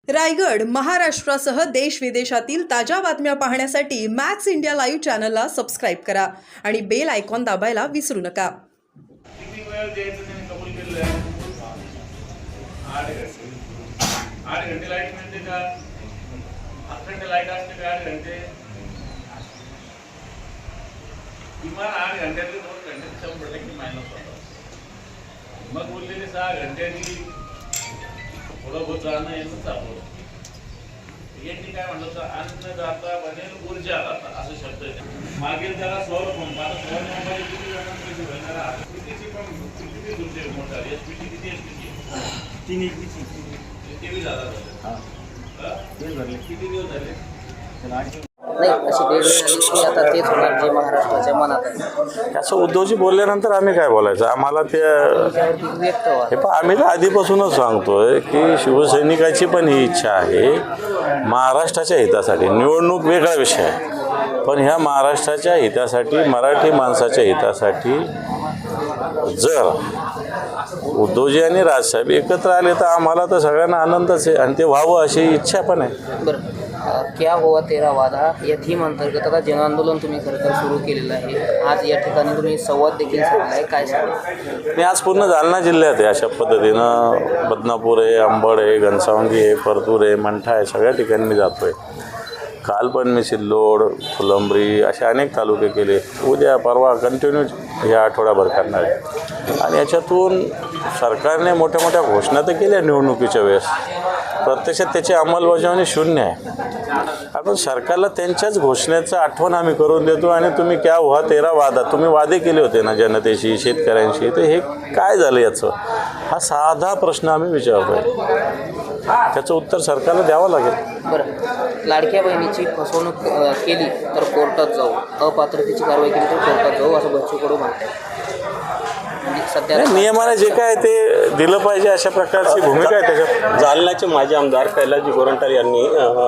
रायगड, महाराष्ट्रासह देश विदेशातील ताज्या बातम्या पाहण्यासाठी मॅक्स इंडिया लाईव्ह चॅनलला सबस्क्राईब करा आणि बेल आयकॉन दाबायला विसरू नका. किती वेळ द्यायचं त्यांनी कबूल केलेलं आहे? 8 घंटे लाईट मिळते का? 8 घंटे लाईट असते का? 8 घंटे किमान 8 घंट्यातले 2 घंटे 100% मायनस होतात. मग उरलेले 6 घंट्यांनी थोडं बहुत जाणं येणं चालू. यांनी काय म्हटलं तर अन्नदाता बनेल ऊर्जादाता असं शब्द आहे. मागील त्याला सौर पंप, आता सौर पंपाची किती पैसे भरणार? कितीची पण किती तुमचे मोटर एसपीटी किती एसपीटी? 3 एकवीची 23,000 किती दिवस झाले? नाही अशी वेळ झाली की आता तेच होणार जे महाराष्ट्राच्या मनात आहे. असं उद्धवजी बोलल्यानंतर आम्ही काय बोलायचं? आम्हाला ते व्यक्त व्हा. हे पण आम्ही तर आधीपासूनच सांगतोय की शिवसैनिकाची पण ही इच्छा आहे महाराष्ट्राच्या हितासाठी. निवडणूक वेगळा विषय आहे, पण ह्या महाराष्ट्राच्या हितासाठी, मराठी माणसाच्या हितासाठी जर उद्धवजी आणि राजसाहेब एकत्र आले तर आम्हाला तर सगळ्यांना आनंदच आहे आणि ते व्हावं अशी इच्छा पण आहे. बरं, क्या हुआ तेरा वादा या थीम अंतर्गत आता जन आंदोलन तुम्ही खरं तर सुरू केलेलं आहे. आज या ठिकाणी तुम्ही संवाद देखील साधला आहे, काय सांगा? मी आज पूर्ण जालना जिल्ह्यात आहे अशा पद्धतीनं. बदनापूर आहे, अंबड आहे, घनसावंगी आहे, परतूर आहे, मंठा आहे, सगळ्या ठिकाणी मी जातो आहे. काल पण मी सिल्लोड, फुलंब्री असे अनेक तालुके केले. उद्या परवा कंटिन्यू या आठवड्याभर करणार आहे. आणि याच्यातून सरकारने मोठ्या मोठ्या घोषणा तर केल्या निवडणुकीच्या वेळेस, प्रत्यक्षात त्याची अंमलबजावणी शून्य आहे. आपण सरकारला त्यांच्याच घोषणेचं आठवण आम्ही करून देतो आणि तुम्ही क्या हुआ तेरा वादा, तुम्ही वादे केले होते ना जनतेशी, शेतकऱ्यांशी, तर हे काय झालं याचं? हा साधा प्रश्न आम्ही विचारतो आहे. त्याचं उत्तर सरकारला द्यावं लागेल. बरं, लाडक्या बहिणीची फसवणूक केली तर कोर्टात जाऊ, अपात्रतेची कारवाई केली तर कोर्टात जाऊ असं बच्चू कडू म्हणतात. म्हणजे सध्या नियमाने जे काय ते दिलं पाहिजे अशा प्रकारची भूमिका आहे त्याच्यात. जालन्याचे माजी आमदार कैलासजी गोरंट्याल यांनी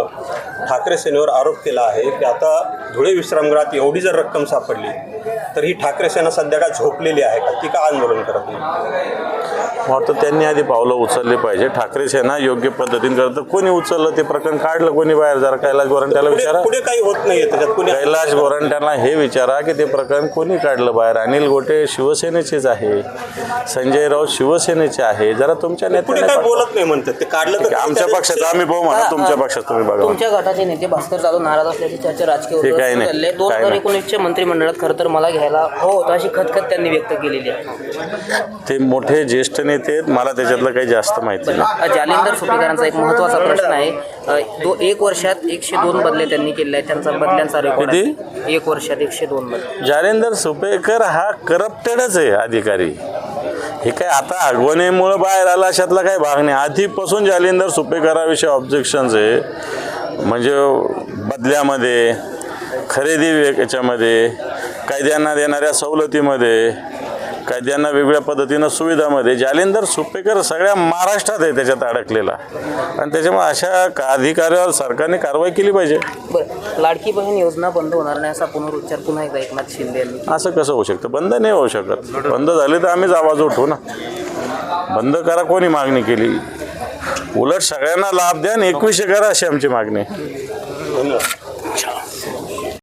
ठाकरे सेनेवर आरोप केला आहे की आता धुळे विश्रामगृहात एवढी जर रक्कम सापडली तर ही ठाकरे सेना सध्या काय झोपलेली आहे का? ती का आंदोलन करत नाही? वाटतं त्यांनी आधी पावलं उचलली पाहिजे. ठाकरे सेना योग्य पद्धतीने करतं. कोणी उचललं ते प्रकरण काढलं, कोणी बाहेर? जरा कैलास गोरंट्याला विचारा. पुढे काही होत नाही त्याच्यात. पुढे कैलास गोरंट्याला हे विचारा की ते प्रकरण कोणी काढलं बाहेर. अनिल गोटे शिवसेनेचेच आहे, संजय राऊत शिवसेनेचे आहे. जरा तुमच्या पुढे नेत्याने काय बोलत नाही म्हणतात ते काढलं तर आमच्या पक्षाचं आम्ही पाहू म्हणा, तुमच्या पक्षात तुम्ही बघा. तुमच्या गटाचे नेते भास्कर जाधव नाराज असल्याची चर्चा राजकीय ते काही नाही. 2019च्या मंत्रिमंडळात खरं तर मला घ्यायला होतं अशी खतखत त्यांनी व्यक्त केलेली आहे. ते मोठे ज्येष्ठ नेते आहेत, मला त्याच्यातलं काही जास्त माहिती नाही. जालिंदर सुपेकरांचा एक महत्त्वाचा प्रश्न आहे. 1 वर्षात 102 बदले त्यांनी केले आहेत. त्यांचा बदल्यांचा रेकॉर्ड आहे. 1 वर्षात 102 बदले. जालिंदर सुपेकर हा करप्टेडच आहे अधिकारी. हे काय आता आगवणीमुळं बाहेर आला अशातला काही भाग नाही. आधीपासून जालिंदर सुपेकराविषयी ऑब्जेक्शन्स आहे. म्हणजे बदल्यामध्ये, खरेदी याच्यामध्ये, कायद्यांना देणाऱ्या सवलतीमध्ये, कायद्यांना वेगवेगळ्या पद्धतीनं सुविधामध्ये जालिंदर सुपेकर सगळ्या महाराष्ट्रात आहे त्याच्यात अडकलेला. आणि त्याच्यामुळे अशा अधिकाऱ्यावर सरकारने कारवाई केली पाहिजे. बरं, लाडकी बहीण योजना बंद होणार नाही असा पुनरुच्चार पुन्हा एकदा एकनाथ शिंदे यांनी. असं कसं होऊ शकतं? बंद नाही होऊ शकत. बंद झाले तर आम्हीच आवाज उठवू ना. बंद करा कोणी मागणी केली? उलट सगळ्यांना लाभ द्या आणि 2100 करा अशी आमची मागणी आहे. धन्यवाद.